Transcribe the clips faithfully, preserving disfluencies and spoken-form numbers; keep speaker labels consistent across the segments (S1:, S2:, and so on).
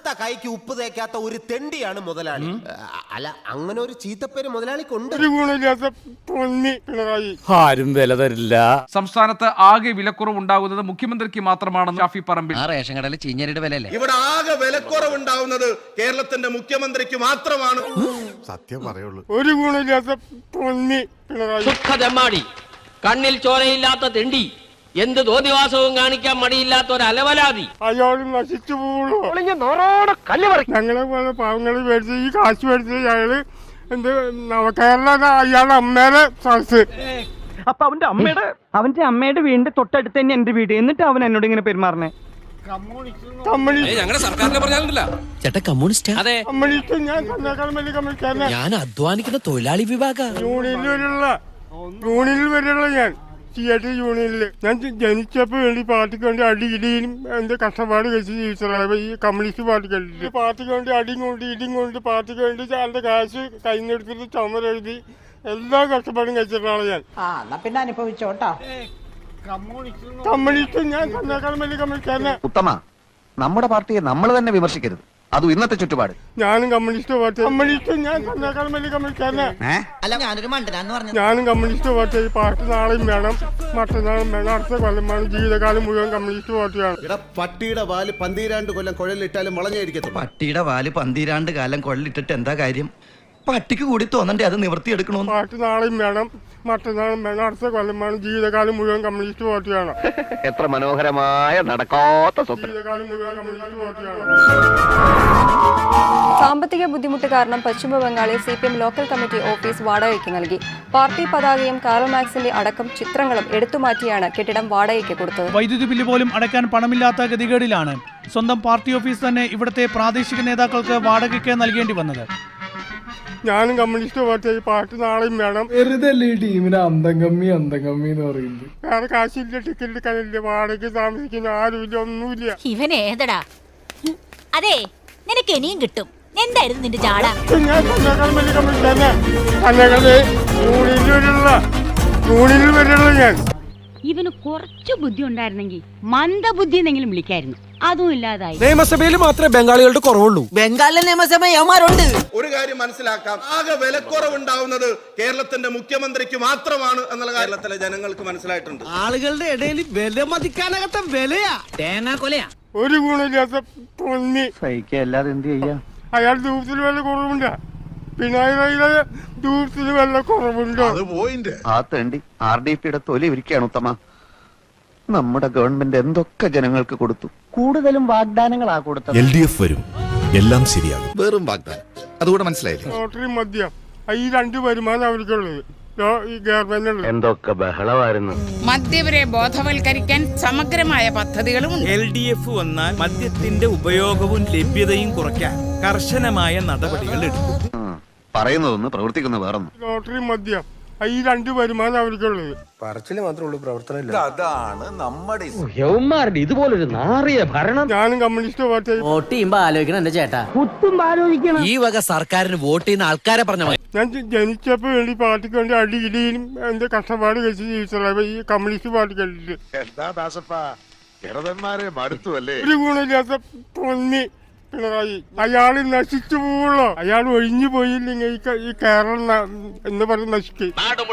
S1: കറുത്ത കൈക്ക് ഉപ്പ് തേക്കാത്ത ഒരു തെണ്ടിയാണ് മുതലാളി. അല്ല, അങ്ങനെ ഒരു ചീത്തപ്പേര് മുതലാളിക്കുണ്ട്.
S2: ആരും വില തരില്ല.
S3: സംസ്ഥാനത്ത് ആകെ വിലക്കുറവുണ്ടാകുന്നത് മുഖ്യമന്ത്രിക്ക് മാത്രമാണെന്ന് ഷാഫി പറമ്പിൽ.
S4: റേഷൻ കടയിൽ ചീഞ്ഞരിയുടെ വിലയല്ലേ?
S5: ഇവിടെ ആകെ വിലക്കുറവുണ്ടാവുന്നത് കേരളത്തിന്റെ മുഖ്യമന്ത്രിക്ക് മാത്രമാണ്.
S6: സത്യം പറയുള്ളൂ.
S7: ഒരു ഗുണമില്ലാത്ത
S8: സുഖദമ്മാടി, കണ്ണിൽ ചോരയില്ലാത്ത തെണ്ടി, എന്ത് തോന്നിവാസവും കാണിക്കാൻ മടിയില്ലാത്ത ഒരു അലവലാതി.
S7: അയാൾ നശിച്ചു പോകുള്ളൂ. ഞങ്ങളെ പോലെ പാവങ്ങള് മേടിച്ച് ഈ കാശ് മേടിച്ച് അയാള് എന്ത് നവകേരള അയാളുടെ അമ്മേടെ സ്ഥലത്ത്.
S9: അപ്പൊ അവന്റെ അമ്മയുടെ അവന്റെ അമ്മയുടെ വീടിന്റെ തൊട്ടടുത്ത് തന്നെ എന്റെ വീട്. എന്നിട്ട് അവൻ എന്നോട് ഇങ്ങനെ പെരുമാറണേ.
S4: ഞാൻ അധ്വാനിക്കുന്ന തൊഴിലാളി വിഭാഗ
S7: യൂണിയനിലുള്ള യൂണിയനിൽ വരെയുള്ള ഞാൻ തിയേറ്റർ യൂണിയനില് ഞാൻ ജനിച്ചപ്പോ വേണ്ടി പാർട്ടിക്ക് വേണ്ടി അടി ഇടിയും എന്റെ കഷ്ടപ്പാട് കഴിച്ച് ജീവിച്ചതാണ് ഈ കമ്മ്യൂണിസ്റ്റ് പാർട്ടിക്ക് വേണ്ടി. പാർട്ടിക്ക് വേണ്ടി അടിയും കൊണ്ട് ഇടിയും കൊണ്ട് പാർട്ടിക്ക് വേണ്ടി അതിന്റെ കാശ് കൈന്നെടുത്തിട്ട് ചുമരെഴുതി എല്ലാ കഷ്ടപ്പാടും കഴിച്ചിട്ടാണ് ഞാൻ.
S10: പിന്നെ അനുഭവിച്ചോട്ടോ.
S7: കമ്മ്യൂണിസ്റ്റ് ഞാൻ തന്നേക്കാളും വലിയ കമ്മ്യൂണിസ്റ്റ്.
S4: ഉത്തമ, നമ്മുടെ പാർട്ടിയെ നമ്മൾ തന്നെ വിമർശിക്കരുത്. അതും ഇന്നത്തെ ചുറ്റുപാട്.
S7: ഞാനും കമ്മ്യൂണിസ്റ്റ് പാർട്ടി കമ്മ്യൂണിസ്റ്റ് ഞാൻ തന്നേക്കാളും വലിയ കമ്മ്യൂണിസ്റ്റ്. ഞാനും കമ്മ്യൂണിസ്റ്റ് പാർട്ടി. ഈ പാർട്ടി നാളെയും വേണം, മറ്റന്നാളും വേണം, അടുത്ത കൊല്ലം വേണം. ജീവിതകാലം മുഴുവൻ കമ്മ്യൂണിസ്റ്റ് പാർട്ടിയാണ്.
S6: പട്ടിയുടെ വാല് പന്തിരാണ്ട് കൊല്ലം കുഴലിട്ടാലും വളഞ്ഞായിരിക്കത്തുള്ളൂ.
S4: പട്ടിയുടെ വാല് പന്തിരാണ്ട് കാലം കൊള്ളിട്ടിട്ട് എന്താ കാര്യം? പട്ടിക്ക് കൂടി തോന്നണ്ടേ അത് നിവർത്തിയെടുക്കണോന്ന്?
S7: പാർട്ടി നാളെയും വേണം, മറ്റന്നാളും വേണം, അടുത്ത കൊല്ലം വേണം. ജീവിതകാലം മുഴുവൻ കമ്മ്യൂണിസ്റ്റ് പാർട്ടിയാണ്.
S4: എത്ര മനോഹരമായ നടക്കാത്ത
S7: ജീവിതകാലം മുഴുവൻ കമ്മ്യൂണിസ്റ്റ് പാർട്ടിയാണ്.
S11: സാമ്പത്തിക ബുദ്ധിമുട്ട് കാരണം പശ്ചിമ ബംഗാളിൽ C P M local committee office വാടകയ്ക്ക് നൽകി. പാർട്ടി പതാകയും കാറൽ മാക്സിന്റെ അടക്കം ചിത്രങ്ങളും എടുത്തുമാറ്റിയാണ് കെട്ടിടം വാടകയ്ക്ക് കൊടുത്തത്.
S12: വൈദ്യുതി ബില്ല് പോലും അടയ്ക്കാൻ പണമില്ലാത്ത ഗതികേടിലാണ് സ്വന്തം പാർട്ടി ഓഫീസ് തന്നെ ഇവിടുത്തെ പ്രാദേശിക നേതാക്കൾക്ക് വാടകയ്ക്ക് നൽകേണ്ടി വന്നത്.
S7: ഞാനും കമ്മ്യൂണിസ്റ്റ് പാർട്ടി. ഈ പാർട്ടി നാളെയും വേണം.
S2: ടീമിന് അന്തം കമ്മി അന്തം കമ്മി എന്ന് പറയുന്നത്.
S7: വേറെ കാശില്ല, ടിക്കറ്റ് എടുക്കാനില്ല, വാടകയ്ക്ക് താമസിക്കുന്ന ആരുമില്ല, ഒന്നുമില്ല.
S10: ഇവൻ ഏതടാ? അതെ, നിനക്ക് ഇനിയും കിട്ടും. എന്തായിരുന്നു നിന്റെ ചാട?
S7: ഞാൻ തന്നേക്കാളും വലിയ കമ്മ്യൂണിസ്റ്റ് തന്നെ. തന്നേക്കാളെ യൂണിയനിൽ വരെയുള്ള യൂണിയനിൽ വരെയുള്ള ഞാൻ.
S10: ഇവന് കുറച്ച് ബുദ്ധി ഉണ്ടായിരുന്നെങ്കിൽ മന്ദബുദ്ധി എന്നെങ്കിലും വിളിക്കായിരുന്നു. അതും ഇല്ലാതായി.
S2: നിയമസഭയിൽ മാത്രമേ ബംഗാളികളുടെ കുറവുള്ളൂ.
S9: ബംഗാളിലെ നിയമസഭ യവന്മാരുണ്ട്.
S5: ഒരു കാര്യം മനസ്സിലാക്കാം, ആകെ വിലക്കുറവുണ്ടാവുന്നത് കേരളത്തിന്റെ മുഖ്യമന്ത്രിക്ക് മാത്രമാണ് എന്നുള്ള കേരളത്തിലെ ജനങ്ങൾക്ക് മനസ്സിലായിട്ടുണ്ട്.
S9: ആളുകളുടെ ഇടയിൽ വില മതിക്കാനകത്ത വിലയാ, തേങ്ങാ കൊലയാ.
S7: ഒരു ഗുണമില്ലാത്ത പൊന്നി
S4: സഹിക്കല്ലാതെ എന്ത് ചെയ്യാ?
S7: അയാൾ ദൂരത്തിൽ വല്ല കുറവുണ്ടോ? പിണറായിയുടെ ദൂരത്തിൽ വല്ല കുറവുണ്ടോ?
S4: ആ തേണ്ടി ആർ ഡി പിയുടെ തൊലി ഇരിക്കുകയാണ് ഉത്തമ. നമ്മുടെ ഗവൺമെന്റ് എന്തൊക്കെ ജനങ്ങൾക്ക് കൊടുത്തു.
S9: കൂടുതലും വാഗ്ദാനങ്ങളാ കൊടുത്തത്.
S6: എൽ ഡി എഫ് വരും, എല്ലാം ശരിയാകും. വെറും വാഗ്ദാനം, അതുകൂടെ മനസ്സിലായില്ലേ?
S7: ലോട്ടറി മദ്യം, ഈ രണ്ട് വരുമാനം അവർക്കുള്ളത്. ഈ ഗവൺമെന്റ്
S4: എന്തൊക്കെ ബഹളമായിരുന്നു.
S10: മദ്യവരെ ബോധവൽക്കരിക്കാൻ സമഗ്രമായ പദ്ധതികളും
S12: എൽ ഡി എഫ് വന്നാൽ മദ്യത്തിന്റെ ഉപയോഗവും ലഭ്യതയും കുറയ്ക്കാൻ കർശനമായ നടപടികൾ എടുക്കും.
S4: പറയുന്നതൊന്ന് പ്രവർത്തിക്കുന്ന വേറൊന്നും.
S7: ലോട്ടറി മദ്യം, ഈ രണ്ട് വരുമാനം അവർക്കുള്ളത്.
S6: പറച്ചില് മാത്രമേ ഉള്ളൂ, പ്രവർത്തനം. അതാണ് നമ്മുടെ
S9: യവന്മാരുടെ ഇതുപോലൊരു നാറിയ ഭരണം.
S7: ഞാനും കമ്മ്യൂണിസ്റ്റ് പാർട്ടി.
S9: വോട്ട് ചെയ്യുമ്പോ ആലോചിക്കണം എന്റെ ചേട്ടാ. കുത്തുമ്പോ ആലോചിക്കണം.
S4: ഈ വക സർക്കാരിന് വോട്ട് ചെയ്യുന്ന ആൾക്കാരെ പറഞ്ഞ
S7: ഞാൻ ജനിച്ചപ്പോ വേണ്ടി പാർട്ടിക്ക് വേണ്ടി അടി ഇടിയും എന്റെ കഷ്ടപ്പാട് കഴിച്ച് ജീവിച്ചതാണ് ഈ കമ്മ്യൂണിസ്റ്റ് പാർട്ടിക്ക് വേണ്ടിട്ട്.
S6: എന്താ ദാസപ്പാ, ഇടവന്മാരെ മടുത്തു അല്ലേ?
S7: ഒരു ഗുണമില്ലാത്ത പൊന്നി പിണറായി. അയാള് നശിച്ചു പോവുള്ളൂ. അയാൾ ഒഴിഞ്ഞു പോയില്ലെങ്കിൽ ഈ കേരളം എന്ന് പറഞ്ഞ് നശിക്കും.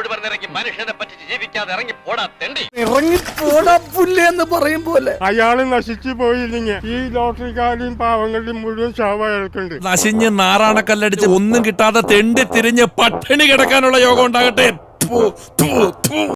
S2: എന്ന് പറയും പോലെ
S7: അയാള് നശിച്ചു പോയില്ലെങ്കിൽ ഈ ലോട്ടറിക്കാരെയും പാവങ്ങളുടെയും മുഴുവൻ ശവം അയാൾക്കുണ്ട്.
S12: നശിഞ്ഞ് നാറാണക്കല്ലടിച്ച് ഒന്നും കിട്ടാതെ തെണ്ടി തിരിഞ്ഞ് പട്ടിണി കിടക്കാനുള്ള യോഗം ഉണ്ടാകട്ടെ.